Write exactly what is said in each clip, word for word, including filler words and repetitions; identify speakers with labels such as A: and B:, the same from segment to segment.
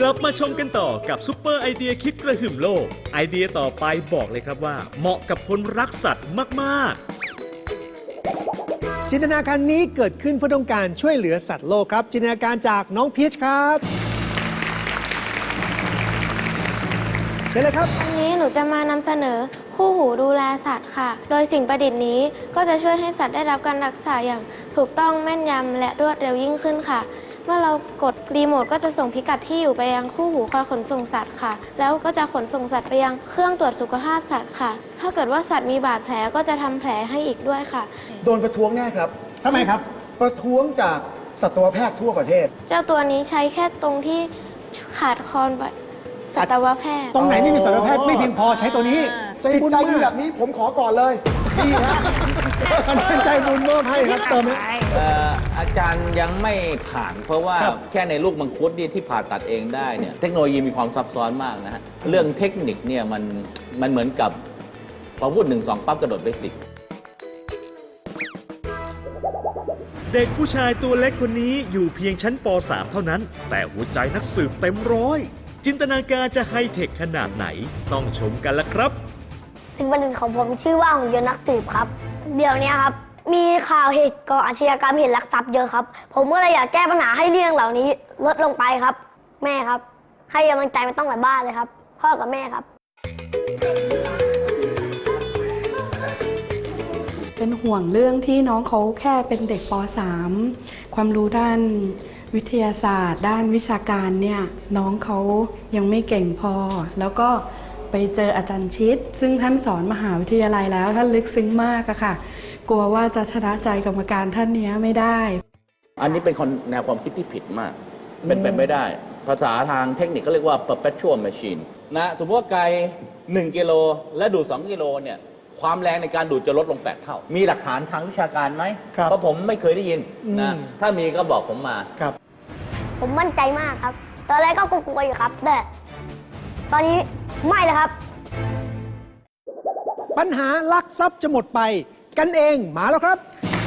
A: ลับมาชมกันต่อกับซุปเปอร์ไอเดียคิดกระหึ่มโลกไอเดียต่อไปบอกเลยครับว่าเหมาะกับคนรักสัตว์มากๆ
B: จินตนาการนี้เกิดขึ้นเพื่อต้องการช่วยเหลือสัตว์โลกครับจินตนาการจากน้องพีชครับเชิญเลยครับ
C: วันนี้หนูจะมานำเสนอคู่หูดูแลสัตว์ค่ะโดยสิ่งประดิษฐ์นี้ก็จะช่วยให้สัตว์ได้รับการรักษาอย่างถูกต้องแม่นยำและรวดเร็วยิ่งขึ้นค่ะเมื่อเรากดรีโมทก็จะส่งพิกัดที่อยู่ไปยังคู่หูคอยขนส่งสัตว์ค่ะแล้วก็จะขนส่งสัตว์ไปยังเครื่องตรวจสุขภาพสัตว์ค่ะถ้าเกิดว่าสัตว์มีบาดแผลก็จะทำแผลให้อีกด้วยค่ะ
D: โดนประท้วงแน่ครับ
B: ทำไมครับ
D: ประท้วงจากสัตวแพทย์ทั่วประเทศ
C: เจ้าตัวนี้ใช้แค่ตรงที่ขาดคอนสัตวแพทย์
B: ตรงไหนไม่มีสัตวแพทย์ไม่เพียงพอใช้ตัวนี้
D: จิตใจดีแบบนี้ผมขอก่อนเลยดีฮะ
B: คะแนนใจบุญมอบให้ครับเติมไหม
E: อาจารย์ยังไม่ผ่านเพราะว่าแค่ในลูกมังคุดนี่ที่ผ่าตัดเองได้เนี่ยเทคโนโลยีมีความซับซ้อนมากนะฮะเรื่องเทคนิคเนี่ยมันมันเหมือนกับพอพูดหนึ่งสองปั๊บกระโดดไปสิบ
A: เด็กผู้ชายตัวเล็กคนนี้อยู่เพียงชั้นป .สาม เท่านั้นแต่หัวใจนักสืบเต็มร้อยจินตนาการจะไฮเทคขนาดไหนต้องชมกันละครับ
F: สิ่งประดิษฐ์ของผมชื่อว่าหุ่นยนต์นักสืบครับเดี๋ยวนี้ครับมีข่าวเหตุก่ออาชญากรรมเหตุลักทรัพย์เยอะครับผมก็เลยอยากแก้ปัญหาให้เรื่องเหล่านี้ลดลงไปครับแม่ครับให้กำลังใจมาต้องหลายบ้านเลยครับพ่อกับแม่ครับ
G: เป็นห่วงเรื่องที่น้องเขาแค่เป็นเด็กป .สาม ความรู้ด้านวิทยาศาสตร์ด้านวิชาการเนี่ยน้องเขายังไม่เก่งพอแล้วก็ไปเจออาจารย์ชิดซึ่งท่านสอนมหาวิทยาลัยแล้วท่านลึกซึ้งมากอะค่ะกลัวว่าจะชนะใจกรรมการท่านนี้ไม่ได้
E: อันนี้เป็นแนวความคิดที่ผิดมากเป็นไปไม่ได้ภาษาทางเทคนิคเขาเรียกว่า perpetual machine นะสมมติว่าไกลหนึ่งกิโลและดูดสองกิโลเนี่ยความแรงในการดูดจะลดลงแปดเท่ามีหลักฐานทางวิชาการไหมเพราะผมไม่เคยได้ยินนะถ้ามีก็บอกผมมา
B: ครับ
F: ผมมั่นใจมากครับตอนแรกก็กลัวๆอยู่ครับแต่ตอนนี้ไม่เลยครับ
B: ปัญหาลักทรัพย์จะหมดไปกันเองมาแล้วครับ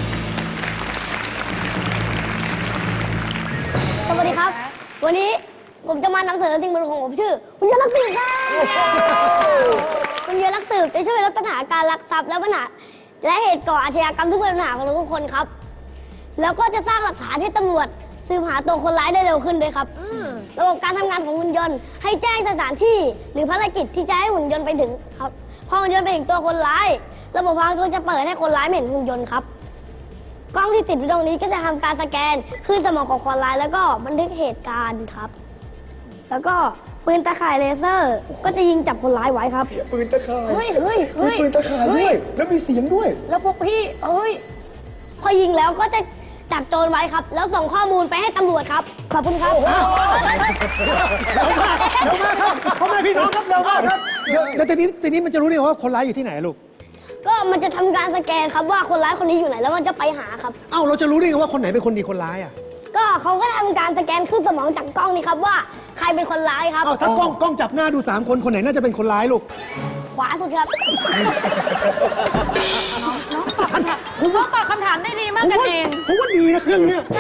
F: สวัสดีครับวันนี้ผมจะมานำเสนอสิ่งประดิษฐ์ของผมชื่อหุ่นยนต์นักสืบครับหุ่นยนต์นักสืบจะช่วยลดปัญหาการลักทรัพย์และปัญหาและเหตุก่ออาชญากรรมทุกปัญหาของทุกคนครับแล้วก็จะสร้างหลักฐานให้ตำรวจสืบหาตัวคนร้ายได้เร็วขึ้นด้วยครับระบบการทำงานของหุ่นยนต์ให้แจ้งสถานที่หรือภารกิจที่จะให้หุ่นยนต์ไปถึงครับพอหุ่นยนต์ไปถึงตัวคนร้ายระบบพลังจะเปิดให้คนร้ายเห็นหุ่นยนต์ครับกล้องที่ติดอยู่ตรงนี้ก็จะทำการสแกนคลื่นสมองของคนร้ายแล้วก็บันทึกเหตุการณ์ครับแล้วก็ปืนตะข่ายเลเซอร์ก็จะยิงจับคนร้ายไว้ครับ
D: ปืนตะข่าย
F: เฮ้ยเฮ้ยเฮ้ย
D: ปืนตะข่ายด้วยแล้วมีเสียงด้วย
F: แล้วพวกพี่เอ้ยพอยิงแล้วก็จะจับโจรไว้ครับแล้วส่งข้อมูลไปให้ตำรวจครับขอบคุณครับ
B: เร็วมากเร็วมากครับพ่อแม่พี่น้องครับเร็วมากครับเดี๋ยวเดี๋ยวทีนี้ทีนี้มันจะรู้ได้ว่าคนร้ายอยู่ที่ไหนลูก
F: ก็มันจะทำการสแกนครับว่าคนร้ายคนนี้อยู่ไหนแล้วมันจะไปหาครับ
B: เอ้าเราจะรู้ได้ไงว่าคนไหนเป็นคนดีคนร้ายอ่ะ
F: ก็เขาก็ทำการสแกนขึ้นสมองจากกล้องนี่ครับว่าใครเป็นคนร้ายครับ
B: เอ้าถ้ากล้องกล้องจับหน้าดูสามคนคนไหนน่าจะเป็นคนร้ายลูก
F: ขวาสุดครับ
H: ผมว่าตอบคำถามได้ดีมากกันเอง
B: ผมว่าดีนะเครื่องเนี้ย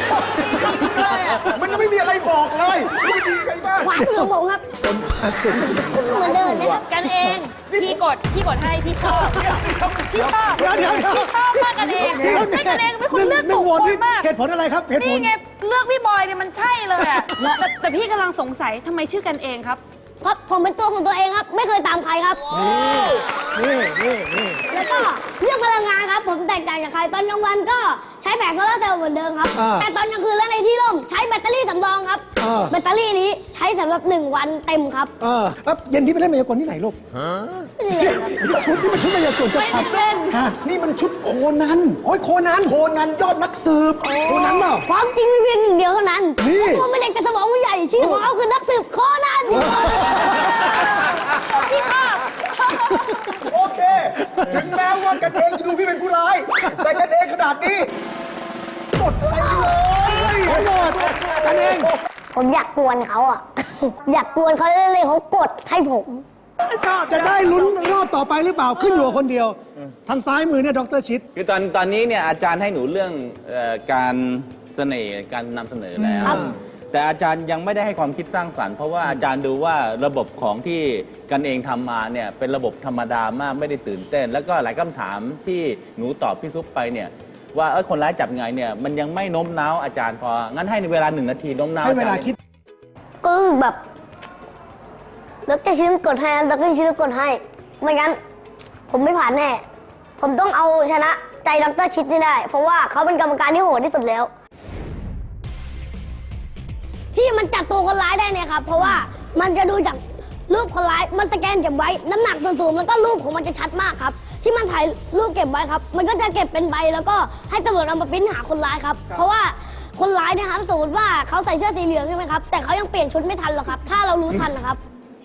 D: มันไม่มีอะไรบอกเลยไม่ดีไงบ้าง
F: ขวาสุดของผมครับเหมือนเดิมนะครับ
H: กันเองพี่กดพี่กดให้พี่ชอบพี่ชอบพี่ชอบมากกันเองไม่กันเองเป็นคนเลือกถูกคนมาก
B: เหตุผลอะไรครับเหตุผล
H: นี่ไงเลือกพี่บอยเนี่ยมันใช่เลยอ่ะแต่แต่พี่กำลังสงสัยทำไมชื่อกันเองครับ
F: ครับผมเป็นตัวของตัวเองครับไม่เคยตามใครครับ
B: นี่นี่นี่
F: แล้วก็เรื่องพลังงานครับผมแตกต่างจากใครตอนกลางวันก็ใช้แผงโซลาร์เซลล์เหมือนเดิมครับแต่ตอนกลางคืนและในที่ร่มใช้แบตเตอรี่สำรองครับแบตเตอรี่นี้ใช้สำหรับหนึ่งวันเต็มครับ
B: เออแล้วเย็นที่ไปเล่นมายากลที่ไหนลูกชุดนี่มันชุดมายากลจะชัด
D: ฮะนี่มันชุดโคนัน
B: โอ้ยโคนัน
D: โคนันยอดนักสืบ
B: โคนันเปล่า
F: ความจริงมีเพียงหนึ่งเดียวเท่านั้นผมเป็นเด็กแต่สมองใหญ่ชื่อของเขาคือนักสืบโคนัน
H: พี่ชอบ
D: โอเคถึงแม้ว่ากันเองจะดูพี่เป็นผู้ร้ายแต่กันเองขนาดนี้หมดไปเลย
B: หมดกันเอง
F: ผมอยากกวนเขาอ่ะอยากกวนเขาเลยเขากดให้ผม
B: จะได้ลุ้นรอบต่อไปหรือเปล่าขึ้นอยู่กับคนเดียวทางซ้ายมือเนี่ยดร.ชิด
E: คือตอนตอนนี้เนี่ยอาจารย์ให้หนูเรื่องการเสน่ห์การนำเสนอแล้วแต่อาจารย์ยังไม่ได้ให้ความคิดสร้างสรรค์เพราะว่าอาจารย์ดูว่าระบบของที่กันเองทำมาเนี่ยเป็นระบบธรรมดามากไม่ได้ตื่นเต้น แล้วก็หลายคำถามที่หนูตอบพี่ซุปไปเนี่ยว่าเออคนร้ายจับไงเนี่ยมันยังไม่โน้มน้าวอาจารย์พองั้นให้ในเวลาหนึ่งนาทีโน้มน้าว
B: ให้เวลา
E: อจรย์
B: คิด
F: ก็แบบดรชิ้นกดให้ดรชิ้นกดให้ไม่งั้น ผมไม่ผ่านแน่ ผมต้องเอาชนะใจดรชิดนี่ได้ เพราะว่าเขาเป็นกรรมการที่โหดที่สุดแล้ว ที่มันจับตัวคนร้ายได้เนี่ยครับ เพราะว่ามันจะดูจากรูปคนร้ายมันสแกนเก็บไว้น้ำหนักส่วนสูงแล้วก็รูปของมันจะชัดมากครับ ที่มันถ่ายรูปเก็บไว้ครับ มันก็จะเก็บเป็นใบแล้วก็ให้ตำรวจเอามาปริ้นหาคนร้ายครับ เพราะว่าคนร้ายเนี่ยครับสมมติว่าเขาใส่เสื้อสีเหลืองใช่ไหมครับแต่เขายังเปลี่ยนชุดไม่ทันหรอกครับ ถ้าเรารู้ทันนะครับ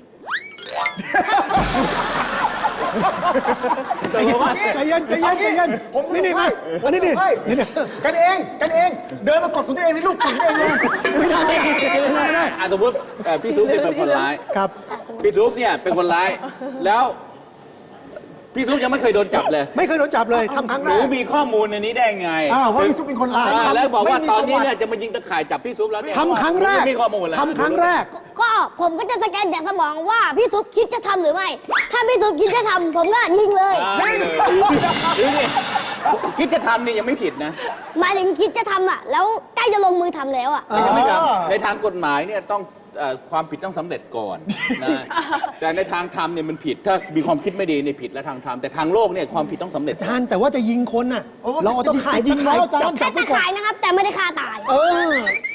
B: ใจเย็นใจเย็นใจเย็นใจเย็น
D: ผมสรุป
B: นี่นี่มา
D: ให้
B: อันนี้นี่
D: ผมสรุปให้
B: นี่นี่
D: กันเองกันเองเดินมากดของตัวเองในลูกติดตัวเองเลย
B: ไม่ได้ไม่ได้ไม่ได้ไม่ได้
E: อ่ะสมมติเอ่อพี่ซุปเนี่ยเป็นคนร้าย
B: ครับ
E: พี่ซุปเนี่ยเป็นคนร้าย แล้วพี่ซุปยังไม่เคยโดนจับเลย
B: ไม่เคยโดนจับเลยทำครั้ง
E: ห
B: แร
E: นู
B: ก
E: มีข้อมูลในนี้ได้ไง
D: อ้าวว่าพี่ซุปเป็นคนร้าย
E: อ่าแล้วบอกว่า
D: ไม่มี
E: ตอนนี้
D: ประวัติ
E: เนี่ยจะมายิงตะข่ายจับพี่ซุปแล้วเนี่ย
B: ทำครั้งแรก
E: ผมมีข้อมูลแล้ว
B: ทำครั้งแรก
F: ก็ผมก็จะสแกนจากสมองว่าพี่ซุปคิดจะทำหรือไม่ ถ้าพี่ซุปคิดจะทำผมก็ยิงเลย
E: อ่าดูนี่คิดจะทำนี่ยังไม่ผิดนะ
F: หมายถึงคิดจะทำอ่ะ แล้วใกล้จะลงมือทำแล้วอ่ะ
E: ยังไม่ท
D: อ่า
E: ำในทางกฎหมายเนี่ยต้องเอ่อความผิดต้องสำเร็จก่อนนะแต่ในทางธรรมเนี่ยมันผิด ถ้ามีความคิดไม่ดีเนี่ยผิดและทางธรรมแต่ทางโลกเนี่ยความผิดต้องสำเร็จ
B: อาจารย์แต่ว่าจะยิงคนน่ะ
D: โอ้
B: เราเอาต้องขาย
D: ยิงแล้วอาจารย์
B: จับจั
F: แค่
B: บไป
F: ตะ
B: ก่อน
F: ขายนะครับ แต่ไม่ได้ฆ่าตาย
B: เออ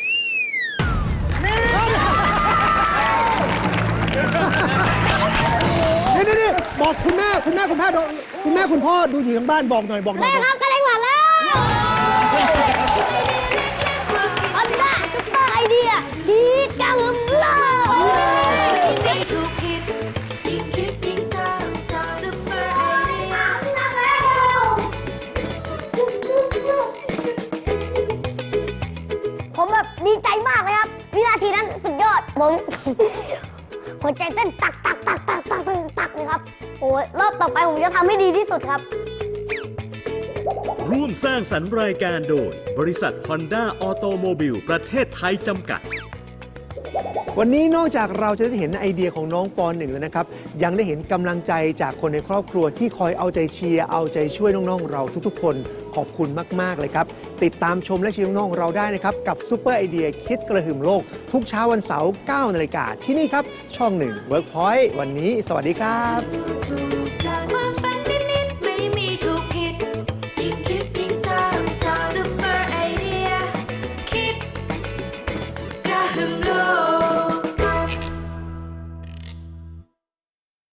B: นี่นี่นี่บอกคุณแม่คุณแม่คุณพ่อดูคุณแม่คุณพ่อดูอยู่ทางบ้านบอกหน่อยบอกหน่
F: แม่
B: อย
F: ครับกระเด้งหวานแล้วอันด้าซุปเปอร์ไอเดียคิดกระหึ่มเลย
I: ไม่ถูกผิดยิ่งคิดยิ่งสร้างสรรค์ซุปเปอร์ไอเดีย
F: ผมแบบดีใจมากเลยครับ วินาทีนั้นสุดยอด ผม หัวใจเต้นตักตักตักตักตักตักตักเลยครับ โอ้ยรอบต่อไปผมจะทำให้ดีที่สุดครับ
A: ร่วมสร้างสรรค์รายการโดย บริษัท Honda Automobile ประเทศไทยจำกัด
B: วันนี้นอกจากเราจะได้เห็นไอเดียของน้องปหนึ่งแล้วนะครับ ยังได้เห็นกำลังใจจากคนในครอบครัวที่คอยเอาใจเชียร์เอาใจช่วยน้องๆเราทุกๆ คนขอบคุณมากๆเลยครับ ติดตามชมและเชียร์น้องๆเราได้นะครับ กับซูเปอร์ไอเดียคิดกระหึ่มโลก ทุกเช้าวันเสาร์เก้านาฬิกาที่นี่ครับ ช่องหนึ่ง Workpoint วันนี้สวัสดีครับ
I: ถูกกัน